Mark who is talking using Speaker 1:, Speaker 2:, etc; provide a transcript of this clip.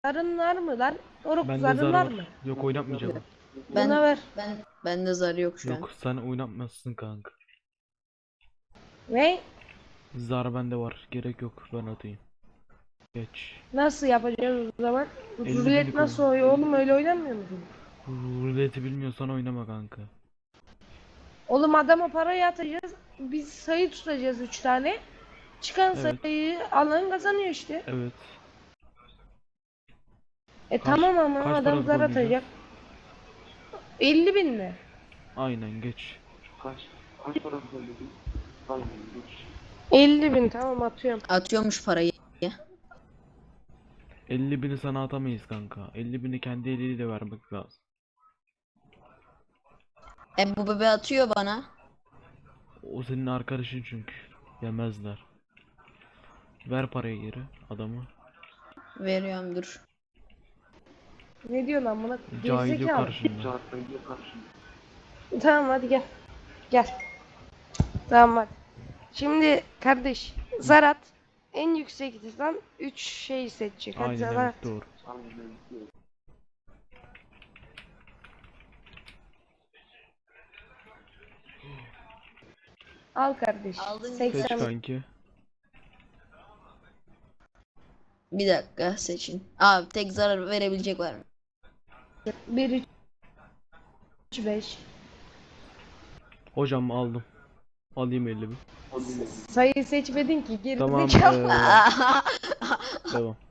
Speaker 1: zarın var mı lan? Oruk
Speaker 2: Bende
Speaker 1: zarın
Speaker 2: zar
Speaker 1: var
Speaker 2: var.
Speaker 1: mı?
Speaker 2: Yok, oynatmayacağım.
Speaker 1: Bana ver.
Speaker 3: Bende zar yok şu an.
Speaker 2: Yok, sen oynatmazsın kanka.
Speaker 1: Ne?
Speaker 2: Zar bende var. Gerek yok, ben atayım. Geç.
Speaker 1: Nasıl yapacağız o zaman?
Speaker 2: 50
Speaker 1: Rulet
Speaker 2: binlik
Speaker 1: nasıl
Speaker 2: oyun.
Speaker 1: oluyor oğlum, öyle oynanmıyor mu?
Speaker 2: Ruleti bilmiyorsan oynama kanka.
Speaker 1: Oğlum adama parayı atacağız. Biz sayı tutacağız 3 tane. Çıkan
Speaker 2: Evet.
Speaker 1: sayıyı alan kazanıyor işte.
Speaker 2: Evet. Kaç-
Speaker 1: Tamam ama
Speaker 2: kaç
Speaker 1: adam
Speaker 2: paralık
Speaker 1: zar
Speaker 2: oynayacağız?
Speaker 1: atacak. 50 bin mi?
Speaker 2: Aynen, geç.
Speaker 4: Kaç para söyledin? Aynen geç.
Speaker 1: 50 bin, tamam atıyorum.
Speaker 3: Atıyormuş parayı.
Speaker 2: 50 bini sana atamayız kanka. 50 bini kendi eliyle vermek lazım.
Speaker 3: Bu bebe atıyor bana.
Speaker 2: O senin arkadaşın çünkü. Yemezler. Ver parayı geri adamı.
Speaker 3: Veriyorum dur.
Speaker 1: Ne diyor lan buna?
Speaker 2: Cahil yok
Speaker 1: Gerizekalı.
Speaker 2: karşında.
Speaker 4: Cahit'e karşında.
Speaker 1: Tamam hadi gel. Gel. Tamam hadi. Şimdi kardeş zar at. En yüksekten 3 şey seçecek. Hadi
Speaker 2: Aynen,
Speaker 1: zar
Speaker 2: evet,
Speaker 1: at.
Speaker 2: doğru.
Speaker 4: Aynen.
Speaker 1: Al kardeş.
Speaker 3: Aldın.
Speaker 2: Seç
Speaker 1: 80.
Speaker 2: kanki.
Speaker 3: Bir dakika seçin. Abi tek zarar verebilecek var mı?
Speaker 1: 1 3 5.
Speaker 2: Hocam aldım. Alayım 50 bin.
Speaker 1: Sayı seçmedin ki, geri
Speaker 2: Tamam.
Speaker 1: zekalı.
Speaker 2: Devam.